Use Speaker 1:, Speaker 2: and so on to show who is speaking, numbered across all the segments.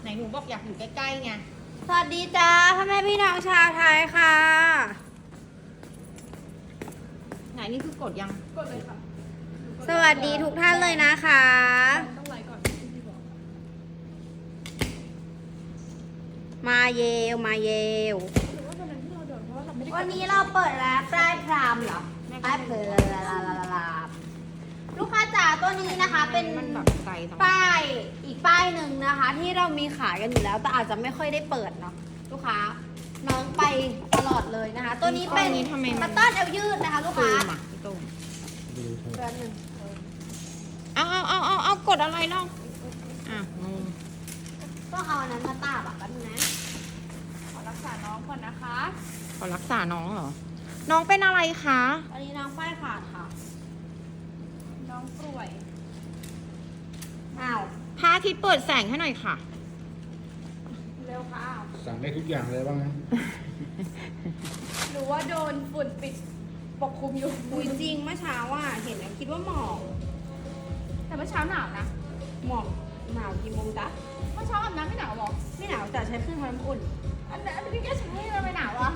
Speaker 1: ไหนหนูบอกอยากอยู่ใกล้ๆไง
Speaker 2: สวัสดีจ้าพ่อแม่พี่น้องชาวไทยค่ะ
Speaker 1: ไหนนี่คือกดยัง
Speaker 3: กดเลยค่ะ
Speaker 2: สวัสดีทุกท่านเลยนะคะ
Speaker 3: ต้องไลค์ก่อนที่บอก
Speaker 2: มาเยลมาเยล
Speaker 3: หรือว่าตอนนั้นที่เราโดนเพราะว่าเราไม่ได้
Speaker 2: วันนี้เราเปิดแล้วปลายพรามเหรอปลายเพลลาลูกค้าจ๋าตัวนี้นะคะเป็น
Speaker 1: มันแบบไกลจัง
Speaker 2: ป้ายอีกป้ายหนึ่งนะคะ ที่เรามีขายกันอยู่แล้วแต่อาจจะไม่ค่อยได้เปิดเนาะลูกค้าน้องไปตลอดเลยนะคะ ตัวนี้เป็น
Speaker 1: ทำไม
Speaker 2: มั
Speaker 1: มัน น
Speaker 2: ต้อนเอวยืดนะคะลูก
Speaker 1: ตู
Speaker 2: ค้าม
Speaker 1: อ่ะพี่ตุ้ม
Speaker 2: แป๊บนึง
Speaker 1: เอากดอะไรเนาะอ่ะงง
Speaker 2: ต้องเอาอันนั้นมาตาบอ่ะแป๊บนึงนะ
Speaker 3: ขอรักษาน้องก่อนนะคะ
Speaker 1: ขอรักษาน้องเหรอ น้องเป็นอะไรคะ
Speaker 2: อันนี้น้องป้ายขาดค่ะ
Speaker 3: น้องป่วย
Speaker 2: อ้าว
Speaker 1: พระอาทิตย์เปิดแสงให้หน่อยค่ะ
Speaker 3: เร็วค่ะ
Speaker 4: สั่งได้ทุกอย่างเลยบ้างนะ
Speaker 3: หรือว่าโดนฝุ่นปิดปกคลุมอยู่
Speaker 2: อุ้ยจริงเมื่อเช้าอ่ะเห็นแล้วคิดว่าหมอก
Speaker 3: แต่เมื่อเช้าหนาวนะ
Speaker 2: หมอกหนาวกี่โมงจ๊ะ
Speaker 3: เมื่อเช้าอาบน้ำไม่หนาวหรอ
Speaker 2: ไม่หนาวแต่ใช้เครื่องทำน้ำอุ่น
Speaker 3: อันนี้แกใช้ไม่หนาวอ่ะ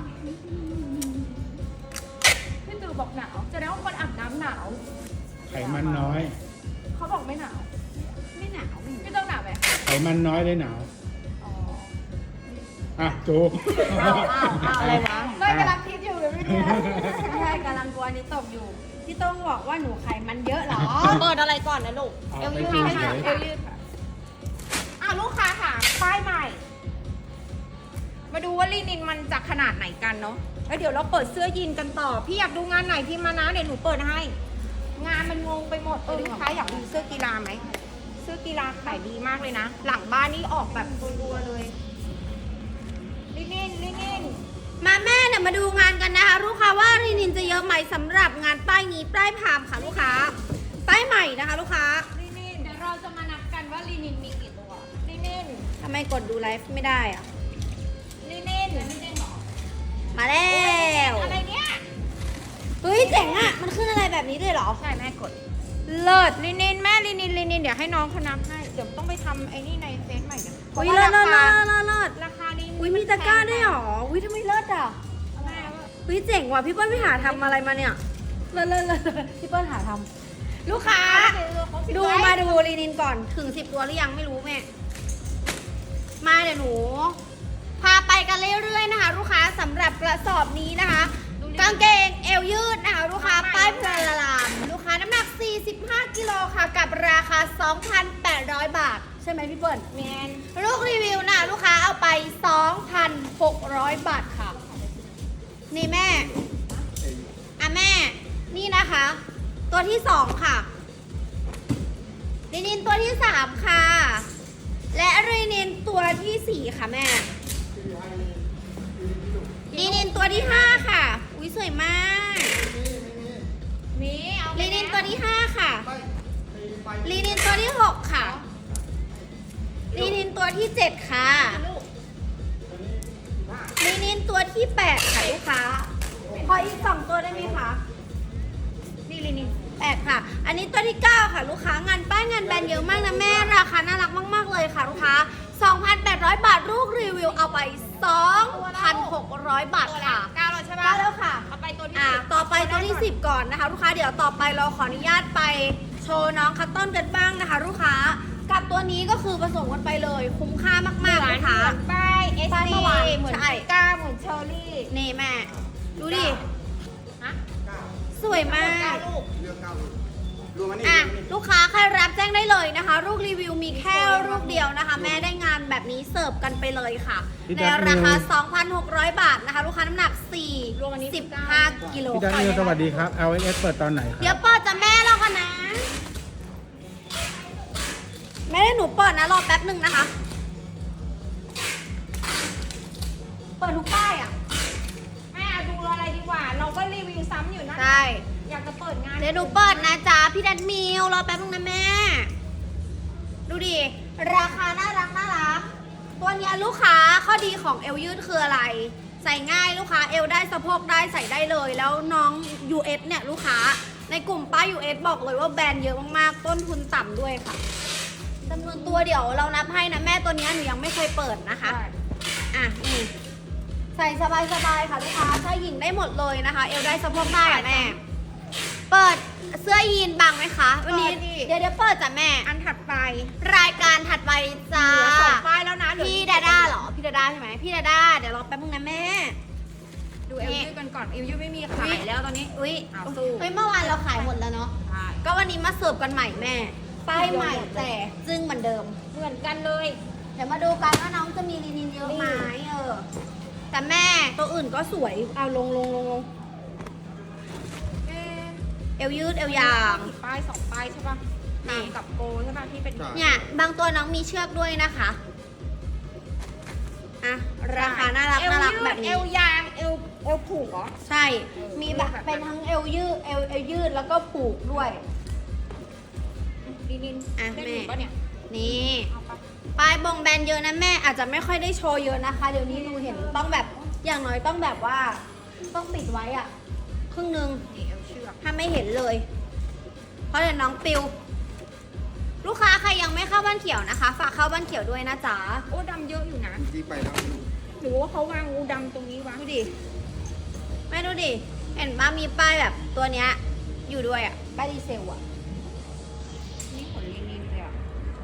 Speaker 3: พี่ตู่บอกหนาวแสดงว่าคนอาบน้ำหนาว
Speaker 4: ไขมันน้อย
Speaker 3: เขาบอกไม่หนาว
Speaker 2: ไม่หนาวไม่หนาว
Speaker 3: พี่ต้องหนาวไหม
Speaker 4: ไขมันน้อยเลยหนาว
Speaker 3: อ๋อ
Speaker 4: อ่ะโจ
Speaker 1: อะไรวะ
Speaker 3: ไม่กำลังคิดอยู่เลยไม่รู้
Speaker 2: ไม่ใช่กำลังกลัวอันนี้ตกอยู่พี่ต้องบอกว่าหนูไขมันเยอะเหรอ
Speaker 1: เปิดอะไรก่อนนะลูก
Speaker 4: เอา
Speaker 1: เอว
Speaker 4: ไป
Speaker 1: ยืด
Speaker 4: ชิม
Speaker 1: ไหม
Speaker 4: เฉ
Speaker 1: คะ
Speaker 4: ย
Speaker 3: เอวยืดค่ะ
Speaker 1: ลูกค้าค่ะป้ายใหม่ มาดูว่าลีนินมันจะขนาดไหนกันเนาะแล้วเดี๋ยวเราเปิดเสื้อยีนกันต่อ พี่อยากดูงานไหนพิมพ์มานะเดี๋ยวหนูเปิดให้ งานมันงงไปหมดลูกค้าอยากดูเสื้อกีฬาไหมเสื้อกีฬาขายดีมากเลยนะ หลังบ้านนี่ออกแบบรัวๆเลยลีนิน
Speaker 2: มาแม่เนี่ยมาดูงานกันนะคะลูกค้าว่ารีนินจะเยอะไหมสำหรับงานป้ายนี้ป้ายพามค่ะลูกค้าป้ายใหม่นะคะลูกค้า
Speaker 1: ลีนิน
Speaker 3: เดี๋ยวเราจะมานับกันว่าลีนินมีกี่ตัว
Speaker 1: ลีนิน
Speaker 2: ทำไมกดดูไลฟ์ไม่ได้อะ
Speaker 1: ลีนิน
Speaker 3: ไม่ได้หรอ
Speaker 2: มาแล้ว
Speaker 1: อะไรเนี่ย
Speaker 2: เฮ้ยเจ๋งอ่ะมันขึ้นอะไรแบบนี้ด้วยเหรอ
Speaker 1: ใช่แม่กดเลิศลีนินแม่ลีนินเดี๋ยวให้น้องเขานับให้เดี๋ยวต้องไปทำไอ้นี่ในเฟซใหม่กันเพราะ
Speaker 2: อุ้ย
Speaker 1: ว่า
Speaker 2: เลิศ
Speaker 1: รา
Speaker 2: เลิ
Speaker 1: คา
Speaker 2: ศเลิศเลิศ
Speaker 1: ราคาลีนิน
Speaker 2: อุ้ยมีตะกร้าด้วยเหรออุ้ยทำไมเลิศอ่ะ
Speaker 1: แม่ว่า
Speaker 2: อุ้ยเจ๋งว่ะพี่เปิ้ลไปหาทำอะไรมาเนี่ยเลิศเลิศเลิศพี่เปิ้ลหาทำลูกค้า ดูมาดูลีนินก่อนถึง10 ตัวหรือยังไม่รู้แม่มาเดี๋ยวหนู พาไปกันเรื่อยๆนะคะ ลูกค้าสำหรับกระสอบนี้นะคะกางเกงเอวยืดนะคะลูกค้าป้ายพลาลามลูกค้าน้ำหนัก 45 กิโลค่ะกับราคา 2,800 บาท ใช่ไหมพี่เปิ้ล
Speaker 1: แมน
Speaker 2: ลูกรีวิวนะลูกค้าเอาไป 2,600 บาทค่ะ นี่แม่แม่ นี่นะคะ ตัวที่ 2 ค่ะรีนินตัวที่ 3 ค่ะ และรีนินตัวที่ 4 ค่ะแม่รีนินตัวที่ 5 ค่ะ อุ้ยสวยมาก
Speaker 1: มีเอาไป
Speaker 2: รีนิน
Speaker 1: นะ
Speaker 2: ตัวที่ 5 ค่ะรีนินตัวที่ 6 ค่ะรีนินตัวที่ 7 ค่ะรีนินตัวที่ 8 ค่ะลูกค้าขออีก 2 ตัวได้ไหมคะ
Speaker 1: นี่ลีนิน
Speaker 2: 8 ค่ะ อันนี้ตัวที่ 9 ค่ะ ลูกค้างานป้ายงานแบรนด์เยอะมากนะแม่ ราคาน่ารักมากๆเลยค่ะลูกค้า 2,800 บาทลูกรีวิวเอาไป 2,600 บาท
Speaker 1: ตัวละ
Speaker 2: ค่ะ
Speaker 1: 9แล้วใช่ปะ
Speaker 2: ได้แล้วค่ะ
Speaker 1: เอาไปตัวที่
Speaker 2: ต่อไปตัวที่ 10 ก่อนนะคะ ลูกค้าเดี๋ยวต่อไปเราขออนุญาตไปโชว์น้องคัตต้นกันบ้างนะคะ ลูกค้ากับตัวนี้ก็คือผสมกันไปเลย คุ้มค่ามากๆลูกค้า
Speaker 1: ป้ายเอส
Speaker 2: ป้ายเมื่อวาน
Speaker 1: เหมือน
Speaker 2: ใช่
Speaker 1: ก้าเหมือนเชอร์รี่
Speaker 2: นี่แม่ ดูดิ
Speaker 1: ฮะ
Speaker 2: สวยมาก
Speaker 1: ลูก
Speaker 2: ลูกค้าใครรับแจ้งได้เลยนะคะ ลูกรีวิวมีแค่ลูกเดียวนะคะ แม่ได้งานแบบนี้เสิร์ฟกันไปเลยค่ะ ในราคา 2,600 บาทนะคะ ลูกค้าน้ำหนัก 15 กิโล
Speaker 4: พี่ดันนิวสวัสดีครับ LS เปิดตอนไหนค
Speaker 2: เดี๋ย
Speaker 4: รั
Speaker 2: ว
Speaker 4: บ
Speaker 2: เปิดจะแม่เรากันนะ แม่ได้หนูเปิดนะรอแป๊บหนึ่งนะคะ เปิดทุกป้ายอ่ะ
Speaker 1: แม่ดูอะไรดีกว่า เราก็รีวิวซ้ำอยู่นะ
Speaker 2: ใช่
Speaker 1: อยากจะเปิดงาน
Speaker 2: เดี๋ยวหนูเปิดนะจ๊ะพี่ดันมิวรอแป๊บนึงนะแม่ ดูดิ ราคาน่ารักตัวเนี้ยลูกค้าข้อดีของเอวยืดคืออะไร ใส่ง่ายลูกค้าเอวได้สะโพกได้ใส่ได้เลย แล้วน้อง US เนี่ยลูกค้าในกลุ่มป้าย US บอกเลยว่าแบรนด์เยอะมากๆ ต้นทุนต่ำด้วยค่ะจำนวนตัวเดี๋ยวเรานับให้นะแม่ตัวเนี้ยหนูยังไม่เคยเปิดนะคะ อ่ะนี่ใส่สบายๆค่ะลูกค้าชายหญิงได้หมดเลยนะคะ เอวได้สะโพกได้อะแม่ เปิดเสื้อยีนบังไหมคะวันนี้ เดี๋ยวเปิดจ้ะแม่
Speaker 1: อันถัดไป
Speaker 2: รายการถัดไปจ้า
Speaker 1: เหลือ2ป้ายแล้วนะเหลือ
Speaker 2: พี่ดาด้าเหรอ พี่ดาด้าใช่ไหมพี่ดาด้าเดี๋ยวรอแป๊บนึงนะแม่
Speaker 1: ดูเอลยืดกันก่อนเอลยืดไม่มีขายแล้วตอนนี้
Speaker 2: อุ้ย
Speaker 1: เอาสู้
Speaker 2: เฮ้ยเมื่อวานเราขายหมดแล้วเนาะ
Speaker 1: ใช่
Speaker 2: ก็วันนี้มาเสิร์ฟกันใหม่แม่ ป้ายใหม่แต่จึ้งเหมือนเดิม
Speaker 1: เหมือนกันเลย
Speaker 2: เดี๋ยวมาดูกันว่าน้องจะมีลินินเยอะไหมแต่แม่ตัวอื่นก็สวย เอาลง
Speaker 1: เอ๊ะ
Speaker 2: เอวยืดเอวยาง
Speaker 1: กี่ป้าย2ป้ายใช่ป่ะ
Speaker 2: นี่
Speaker 1: ตามกับโกใช่ป่ะที่เป็น
Speaker 2: เนี่ยบางตัวน้องมีเชือกด้วยนะคะ อ่ะ ราคาน่ารัก
Speaker 1: เอว
Speaker 2: น่ารัก
Speaker 1: ยืด
Speaker 2: แบบ
Speaker 1: เอ
Speaker 2: นี้
Speaker 1: วยางเอวผูกเหรอ
Speaker 2: ใช่ มีแบบเป็นทั้งเอวยืดเอวยืดแล้วก็ผูกด้วย
Speaker 1: ลินิน
Speaker 2: อ่ะ
Speaker 1: ได้
Speaker 2: แม่
Speaker 1: ถูกป่ะเนี่ย
Speaker 2: นี่
Speaker 1: เอาปะ
Speaker 2: ปลายบงแบนเยอะนะแม่อาจจะไม่ค่อยได้โชว์เยอะนะคะ เดี๋ยวนี้หนูเห็นต้องแบบอย่างน้อยต้องแบบว่า ต้องปิดไว้อะครึ่งนึง
Speaker 1: นี่เอวเชือก
Speaker 2: ถ้าไม่เห็นเลย เพราะเดี๋ยวน้องปิว ลูกค้าใครยังไม่เข้าบ้านเขียวนะคะ ฝากเข้าบ้านเขียวด้วยนะจ๊ะ
Speaker 1: โอ้ดำเยอะอยู่นะ
Speaker 5: ที่ไปแล้ว
Speaker 1: หรือว่าเขาวางงูดำตรงนี้วะ
Speaker 2: ดูดิแม่ดูดิเห็นว่ามีป้ายแบบตัวเนี้ยอยู่ด้วยอะป้ายดีเซลอะ
Speaker 1: นี่ขนลินินเลยอ่ะ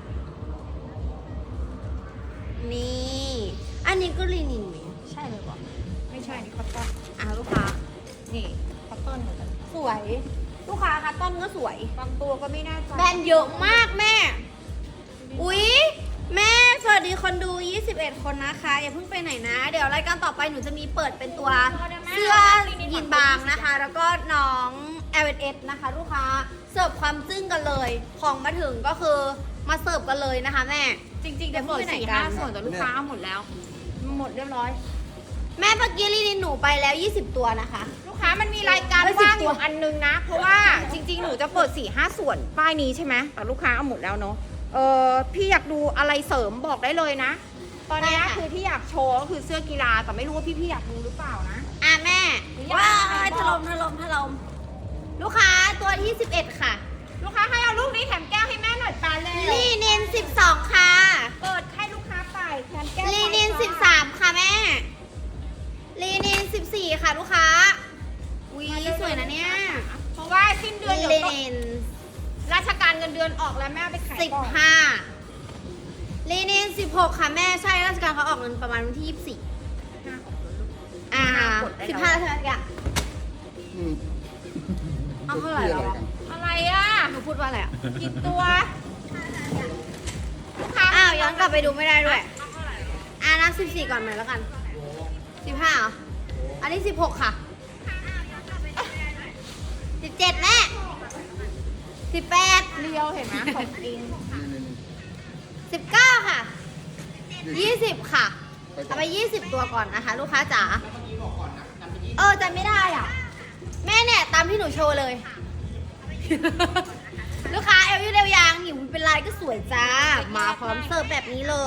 Speaker 2: นี่ อันนี้ก็ลีนินไหม
Speaker 1: ใช่เลยป่ะไม่ใช่นี่คอตตอน
Speaker 2: อ่ะลูกค้า
Speaker 1: นี่คอตตอนเหมือนกัน
Speaker 2: สวย ลูกค้าคะต้นก็สวย
Speaker 1: บางตัวก็ไม่น่าใจ
Speaker 2: แบรนด์เยอะมากแม่ อุ๊ย แม่สวัสดีคนดู 21 คนนะคะ อย่าเพิ่งไปไหนนะ เดี๋ยวรายการต่อไปหนูจะมีเปิดเป็นตัวเสื้อยีนบางนะคะ แล้วก็น้อง L&S นะคะ ลูกค้าเสิร์ฟความจึ้งกันเลย ของมาถึงก็คือมาเสิร์ฟกันเลยนะคะแม่
Speaker 1: จริงๆจะเปิด
Speaker 2: เดี๋ยวพูดไปไหน
Speaker 1: 4-5
Speaker 2: กัน
Speaker 1: ส่วนแต่ลูกค้าเอาหมดแล้ว หมดเรียบร้อย
Speaker 2: แม่เมื่อกี้ลีนินหนูไปแล้ว 20 ตัวนะคะ
Speaker 1: ลูกค้ามันมีรายการ
Speaker 2: เฮ้ย
Speaker 1: ว่าง
Speaker 2: 10
Speaker 1: อยู่อันนึงนะ เพราะว่าจริงๆ หนูจะเปิด 4-5 ส่วนป้ายนี้ใช่ไหมแต่ลูกค้าเอาหมดแล้วเนาะพี่อยากดูอะไรเสริมบอกได้เลยนะ ตอนนี้
Speaker 2: ได้ค่ะ
Speaker 1: คือที่อยากโชว์ก็คือเสื้อกีฬาแต่ไม่รู้ว่าพี่ๆอยากดูหรือเปล่านะ
Speaker 2: อ่ะแม่
Speaker 1: หรือยัง
Speaker 2: ว้า
Speaker 1: ไง
Speaker 2: ย
Speaker 1: บ
Speaker 2: ถ
Speaker 1: อก
Speaker 2: ล่มลูกค้าตัวที่ 11 ค่ะ
Speaker 1: ลูกค้าให้เอาลูกนี้แถมแก้วให้แม่หน่อยปาเลย
Speaker 2: ลีนิน 12 ค่ะ
Speaker 1: เปิดให้ลูกค้าไปแถมแก้ว
Speaker 2: ลีนิน
Speaker 1: ไปค่ะ
Speaker 2: 13 ค่ะแม่ ลีนิน 14 ค่ะลูกค้าอุ้ยสวยนะเนี่ย
Speaker 1: เพราะว่าสิ้นเดือนเดี๋ยว
Speaker 2: ลี
Speaker 1: ต้อง
Speaker 2: นิน
Speaker 1: ราชการเงินเดือนออกแล้วแม่เอาไปขายก่อน
Speaker 2: 15 ลีนิน 16 ค่ะแม่ ใช่ราชการเขาออกเงินประมาณวันที่ 24 อ่า 15ใช่ไหมจ๊ะ
Speaker 5: อืม
Speaker 2: เอาเท่าไหร่แล้วอะ
Speaker 1: อะไรอ่ะ
Speaker 2: หนูพูดว่าอะไรอ่ะ
Speaker 1: กี่ตัวลูกค้า
Speaker 2: อ้าว ย้อนกลับไปดูไม่ได้ด้วย อ่านับ14 ก่อนหน่อยแล้วกัน 15เหรอ อันนี้ 16 ค่ะ 17 แม่ 18
Speaker 1: เรียวเห็นไหมของจริง
Speaker 2: 19 ค่ะ 20 ค่ะ เอาไป 20 ตัวก่อนนะคะ ลูกค้าจ๋าจำไม่ได้อ่ะ แม่เนี่ย ตามที่หนูโชว์เลย ลูกค้าเอลยูเดลยางหิวเป็นลายก็สวยจ้า มาพร้อมเสิร์ฟแบบนี้เลย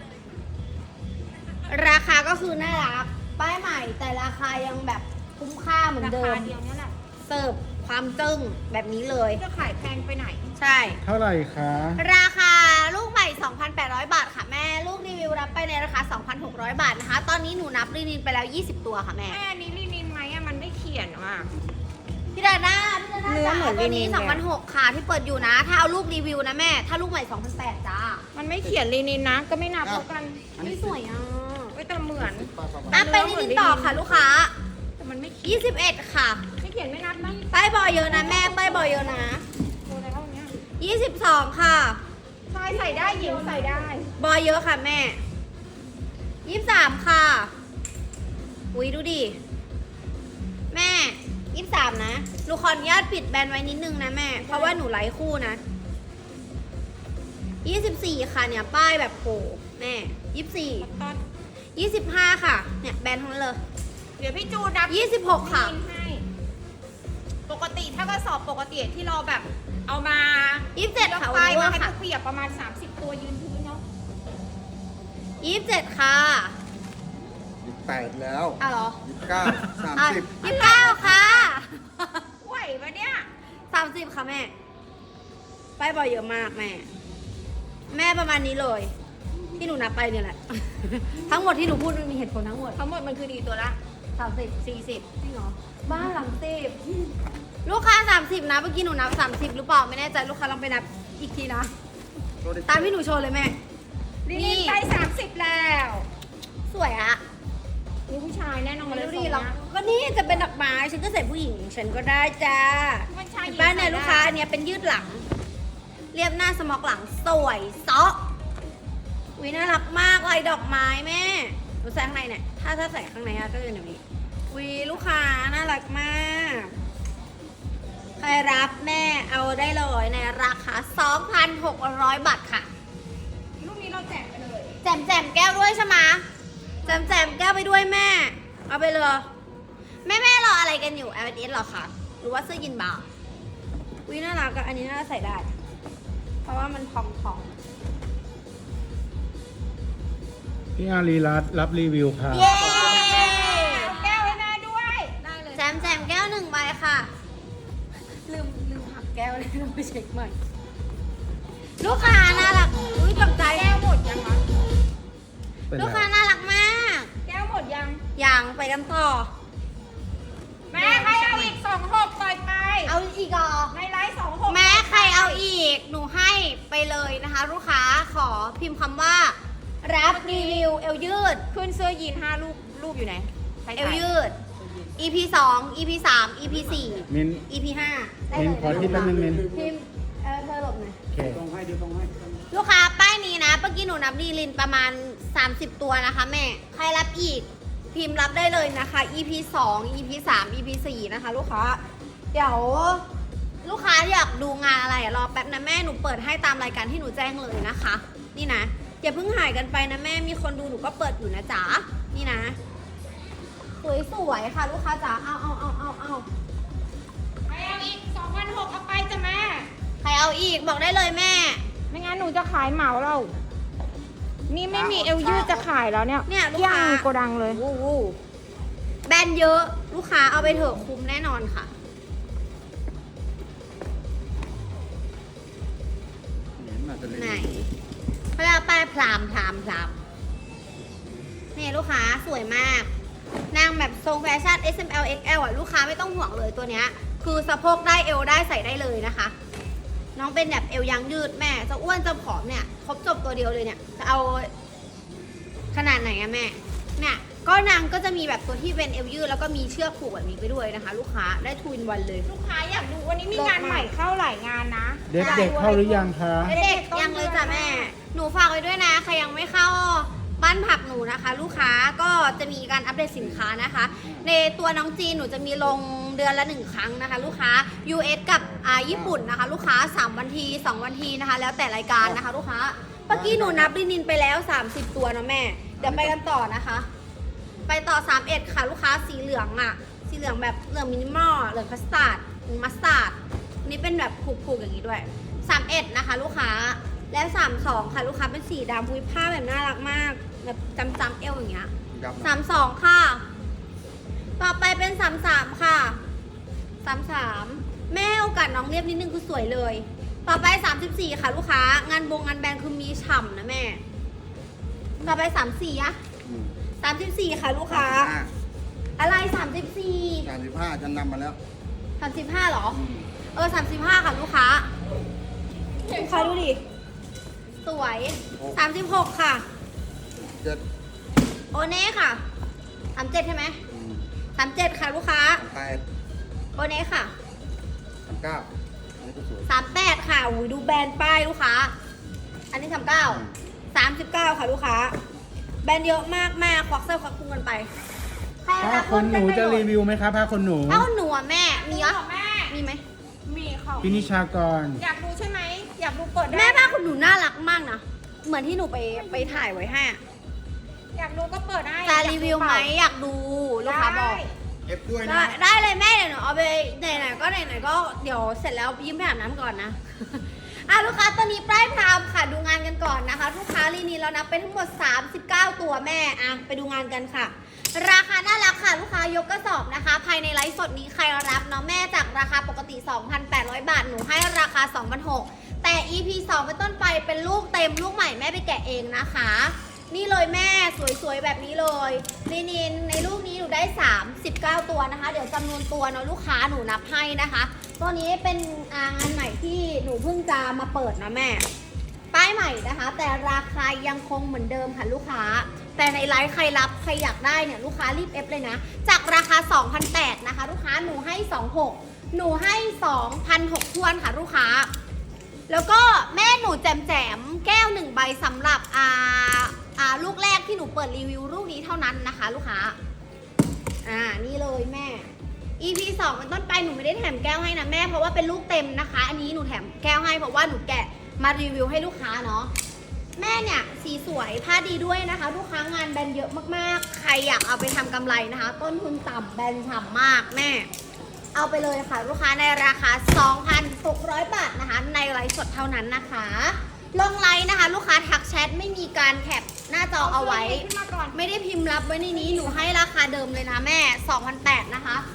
Speaker 2: ราคาก็คือน่ารัก ป้ายใหม่แต่ราคายังแบบคุ้มค่าเหมือน
Speaker 1: รา
Speaker 2: เดิ
Speaker 1: คาม เดียวเนี่ยแหละ
Speaker 2: เสิร์ฟความจึ้งแบบนี้เลย
Speaker 1: จะขายแพงไปไหน
Speaker 2: ใช่
Speaker 4: เท่าไหร่คะ
Speaker 2: ราคาลูกใหม่ 2,800 บาทค่ะแม่ ลูกรีวิวรับไปในราคา 2,600 บาทนะคะ ตอนนี้หนูนับรีนินไปแล้ว 20 ตัวค่ะแม่
Speaker 1: แม่อันนี้ลินินไหมอะมันไม่เขียนว่ะ
Speaker 2: พี่ดาด้าพี่ดาด้า
Speaker 1: เนื้อเหมือน
Speaker 2: ตัวนี้
Speaker 1: ลินินเลย
Speaker 2: 2,600 ค่ะที่เปิดอยู่นะ ถ้าเอาลูกรีวิวนะแม่ ถ้าลูกใหม่ 2,800 จ้า
Speaker 1: มันไม่เขียนลินินนะ ก็ไม่นับแล้วกัน
Speaker 5: อันนี้
Speaker 2: นี่สวยอ่ะ
Speaker 1: ไว้ยแต่เหมือน
Speaker 2: อ่ะไปรีนินต่อค่ะลูกค้า
Speaker 1: แต่มันไม่เขียน
Speaker 2: 21 ค่ะ
Speaker 1: ไม่เขียนไม่นับนะ
Speaker 2: ป้ายบอยเยอะนะแม่ ป้ายบอยเยอะนะ
Speaker 1: โตัวแล้วเนี้ย
Speaker 2: 22 ค่ะ
Speaker 1: ชายใส่ได้หญิงใส่ได้
Speaker 2: บอยเยอะค่ะแม่ 23 ค่ะ อุ้ยดูดิ แม่ 23 นะหนูขออนุญาตปิดแบรนด์ไว้นิดนึงนะแม่ เพราะว่าหนูไลฟ์คู่นะ 24 ค่ะเนี่ย ป้ายแบบโผล่แม่ 24
Speaker 1: ตอน
Speaker 2: 25 ค่ะ เนี่ยแบรนด์ทั้งนั้นเลย
Speaker 1: เดี๋ยวพี่จูนับ
Speaker 2: 26 ค่ะ
Speaker 1: ลินินให้ปกติถ้ากระสอบปกติที่เราแบบเอามา
Speaker 2: 27 ค่ะ
Speaker 1: ไป
Speaker 2: วันนี้
Speaker 1: มา
Speaker 2: ว่า
Speaker 1: ให้
Speaker 2: ค่ะ
Speaker 1: เปียกประมาณ 30 ตัวยืนพื้นเนาะ
Speaker 2: 27 ค่ะ
Speaker 5: 28แล้ว
Speaker 2: อ้าวเหรอ
Speaker 5: 29
Speaker 2: อ่ะ
Speaker 5: 30
Speaker 2: 29 ค่ะ
Speaker 1: ไหวปะเนี่ย
Speaker 2: 30 ค่ะแม่ ป้ายบอยเยอะมากแม่แม่ประมาณนี้เลย ที่หนูนับไปเนี่ยแหละ ทั้งหมดที่หนูพูดมันมีเหตุผลทั้งหมด
Speaker 1: ทั้งหมดมันคือดีตัวละ
Speaker 2: 30 40จริงเหรอบ้า30ลูกค้า30นะเมื่อกี้หนูนับ30หรือเปล่าไม่แน่ใจลูกค้าลองไปนับอีกทีนะ ตามที่หนูโชว์เลยแม่
Speaker 1: ลินินได้30แล้ว
Speaker 2: สวยอะ
Speaker 1: นี่ผู้ชายแน่นอนเลย
Speaker 2: ดูดิเราก็นี่จะเป็นดอกไม้ฉันก็ใส่ผู้หญิงฉันก็ได้จ้า
Speaker 1: มันชายหญิง
Speaker 2: บ้านเนี่ยลูกค้าอันเนี้ยเป็นยืดหลัง เรียบหน้าสมอกหลังสวยเซาะวิน่ารักมากลายดอกไม้แม่หนูใส่ข้างในเนี่ยถ้าใส่ข้างในอะก็จะเป็นแบบนี้วิลูกค้าน่ารักมากใครรับแม่เอาได้เลยในราคา 2,600 บาทค่ะ
Speaker 1: ลูกนี้เราแจกไปเลย
Speaker 2: แจมแก้วด้วยใช่ไหมแจมแก้วไปด้วยแม่ เอาไปเลยแม่รออะไรกันอยู่ LS หรอคะหรือว่าเสื้อยีนบาร์วิน่ารักอะอันนี้น่าใส่ได้ เพราะว่ามันพอง
Speaker 4: พี่อารีรัตน์รับรีวิวค่ะ
Speaker 2: ๆเย้
Speaker 1: แก้วไว้แม่ด้วย ได้เลย
Speaker 2: แจมแก้ว1ใบค่ะลืมหักแก้วเลยต้องไปเช็คใหม่ลูกค้าน่ารักอุ้ยตกใจ
Speaker 1: แก้วหมดยังคะ
Speaker 4: เป็น
Speaker 2: ลูก
Speaker 4: ไร
Speaker 2: ค้าน่ารักมาก
Speaker 1: แก้วหมดยัง
Speaker 2: อย่างไปกันต่อ
Speaker 1: แม่ใครเอาอีก26ปล่อยไป
Speaker 2: เอาอีกเหรอ
Speaker 1: ในไลฟ์26
Speaker 2: แม้ใครเอาอีก หนูให้ไปเลยนะคะ ลูกค้าขอพิมพ์คำว่า รับรีวิวเอวยืด
Speaker 1: ขึ้นเสื้อยีน5รูปอยู่ไหนใคร
Speaker 2: เอ
Speaker 1: ถ่า
Speaker 2: วย ยืด EP 2 EP 3 EP 4
Speaker 4: มิน
Speaker 2: EP 5ได้
Speaker 4: มิ
Speaker 2: เล
Speaker 4: น
Speaker 2: ย
Speaker 4: ขอที่แป๊บนึงมิน
Speaker 2: พิมพ์เธอหลบหน่อย
Speaker 4: โอเค
Speaker 2: ลูกค้าป้ายนี้นะเมื่อกี้หนูนับดีลินประมาณ 30 ตัวนะคะแม่ ใครรับอีก พิมพ์รับได้เลยนะคะ EP 2 EP 3 EP 4 นะคะ ลูกค้า เดี๋ยว ลูกค้าอยากดูงานอะไรรอแป๊บนะแม่หนูเปิดให้ตามรายการที่หนูแจ้งเลยนะคะ นี่นะอย่าเพิ่งหายกันไปนะแม่มีคนดูหนูก็เปิดอยู่นะจ๊ะนี่นะสวยๆค่ะ ลูกค้าจ๋าเอา
Speaker 1: ใครเอาอีก2,600เอาไปจ้ะแม่
Speaker 2: ใครเอาอีกบอกได้เลยแม่
Speaker 1: ไม่งั้นหนูจะขายเหมาเรา นี่ไม่มีเอวยืดจะขายแล้วเนี่ย
Speaker 2: เนี่ยลูก
Speaker 1: ย่า
Speaker 2: ค้า
Speaker 1: งโกดังเลย
Speaker 2: วู้วู้แบรนด์เยอะลูกค้าเอาไปเถอะคุ้มแน่นอนค่ะ ไหนเขาเรียกว่าป้ายพรามนี่ลูกค้าสวยมาก นางแบบทรงแฟชั่น S M L X L อ่ะลูกค้าไม่ต้องห่วงเลยตัวเนี้ย คือสะโพกได้เอวได้ใส่ได้เลยนะคะ น้องเป็นแบบเอวยางยืดแม่จะอ้วนจะผอมเนี่ยครบจบตัวเดียวเลยเนี่ยจะเอาขนาดไหนอะแม่เนี่ยก็นางก็จะมีแบบตัวที่เป็นเอวยืดแล้วก็มีเชือกผูกแบบนี้ไปด้วยนะคะ ลูกค้าได้ทูนวันเลย
Speaker 1: ลูกค้าอยากดูวันนี้มีงานใหม่เข้าหลายงานนะ
Speaker 4: เด็กๆเข้าหรือยังคะ
Speaker 2: เด็กยังเลยจ้ะแม่ หนูฝากไว้ด้วยนะ ใครยังไม่เข้าบ้านผักหนูนะคะ ลูกค้าก็จะมีการอัปเดตสินค้านะคะ ในตัวน้องจีนหนูจะมีลงเดือนละ1ครั้งนะคะ ลูกค้า US กับญี่ปุ่นนะคะ ลูกค้า3วันที2วันทีนะคะ แล้วแต่รายการนะคะ ลูกค้าเมื่อกี้หนูนับลินินไปแล้ว30ตัวนะแม่เดี๋ยวไปกันต่อนะคะ ไปต่อ31ค่ะลูกค้าสีเหลืองอะสีเหลืองแบบเหลืองมินิมอลเหลืองคัสตาร์ดมัสตาร์ดนี่เป็นแบบผูกๆอย่างนี้ด้วย31นะคะ ลูกค้าแล้ว32ค่ะลูกค้าเป็นสีดำพุ้ยผ้าแบบน่ารักมากแบบจำเอวอย่างเงี้ย32ค่ะต่อไปเป็น33ค่ะ33แม่โอกาสน้องเรียบนิดนึงคือสวยเลยต่อไป34ค่ะลูกค้างานงานแบรนด์คือมีฉ่ำนะแม่ต่อไป34อะ34ค่ะลูกค้าอะไร34
Speaker 5: 35ฉันนำมาแล้ว
Speaker 2: 35เหรอ35ค่ะลูกค้าลูกค้าดูดิสวย36ค่ะ
Speaker 5: 7
Speaker 2: โอเน่ค่ะ37ใช่ไหม37ค่ะลูกค้า
Speaker 5: 8
Speaker 2: โอเน่ค่ะ
Speaker 5: 9อันนี้ก็สวย
Speaker 2: 38ค่ะอุ้ยดูแบรนด์ป้ายลูกค้า อันนี้39 39ค่ะลูกค้าแบรนด์เยอะมากแม่ควักเสื้อควักพุงกันไปใคร
Speaker 4: ผ้า
Speaker 2: รับ
Speaker 4: ขนหนูจะรีวิวไหมคะผ้าขนหนู
Speaker 2: ผ้าขนหนูอ่ะแม่มีเหรอ
Speaker 1: แม่
Speaker 2: มีไหม
Speaker 1: มีเขา
Speaker 4: พินิชากร
Speaker 1: อยากดูใช่ไหมอยากดูเปิดได้
Speaker 2: แม่ผ้าขนหนูน่ารักมากนะเหมือนที่หนูไปถ่ายไว้ให้อะ
Speaker 1: อยากดูก็เปิดได้
Speaker 2: จะรีวิวไหมอยากดูลูกค้าบอก
Speaker 5: เอฟด้วย
Speaker 2: ได้
Speaker 5: นะ
Speaker 2: ได้เลยแม่เดี๋ยวหนูเอาไปไหนๆก็ไหนๆก็เดี๋ยวเสร็จแล้วยิ้มไปอาบน้ำก่อนนะ ลูกค้าตอนนี้ป้ายพรามค่ะดูงานกันก่อนนะคะ ลูกค้าลีนีเรานับไปทั้งหมด39ตัวแม่ไปดูงานกันค่ะ ราคาน่ารักค่ะลูกค้ายกกระสอบนะคะ ภายในไลฟ์สดนี้ใครรับเนาะแม่จากราคาปกติ 2,800 บาทหนูให้ราคา 2,600 แต่ EP 2เป็นต้นไปเป็นลูกเต็มลูกใหม่แม่ไปแกะเองนะคะ นี่เลยแม่สวยๆแบบนี้เลยลินินในลูกนี้หนูได้39ตัวนะคะเดี๋ยวจำนวนตัวเนาะลูกค้าหนูนับให้นะคะตัวนี้เป็นงานใหม่ที่หนูเพิ่งจะมาเปิดนะแม่ป้ายใหม่นะคะ แต่ราคายังคงเหมือนเดิมค่ะลูกค้าแต่ในไลฟ์ใครรับใครอยากได้เนี่ยลูกค้ารีบเอฟเลยนะจากราคา 2,800 นะคะลูกค้าหนูให้ 26,000หนูให้ 2,600 ทวนค่ะลูกค้าแล้วก็แม่หนูแจมแก้ว1ใบสำหรับลูกแรกที่หนูเปิดรีวิวลูกนี้เท่านั้นนะคะลูกค้านี่เลยแม่ EP 2เป็นต้นไปหนูไม่ได้แถมแก้วให้นะแม่เพราะว่าเป็นลูกเต็มนะคะอันนี้หนูแถมแก้วให้เพราะว่าหนูแกะมารีวิวให้ลูกค้าเนาะแม่เนี่ยสีสวยผ้าดีด้วยนะคะลูกค้างานแบรนด์เยอะมากๆใครอยากเอาไปทำกำไรนะคะต้นทุนต่ำแบรนด์ฉ่ำมากแม่เอาไปเลยค่ะลูกค้าในราคา 2,600 บาทนะคะในไลฟ์สดเท่านั้นนะคะลงไลน์นะคะลูกค้าทักแชทไม่มีการแคปหน้าจอเอาไว้
Speaker 3: ขึ้นมาก่อน
Speaker 2: ไม่ได้พิมพ์รับไว้ในนี้หนูให้ราคาเดิมเลยนะแม่ 2,800 นะคะ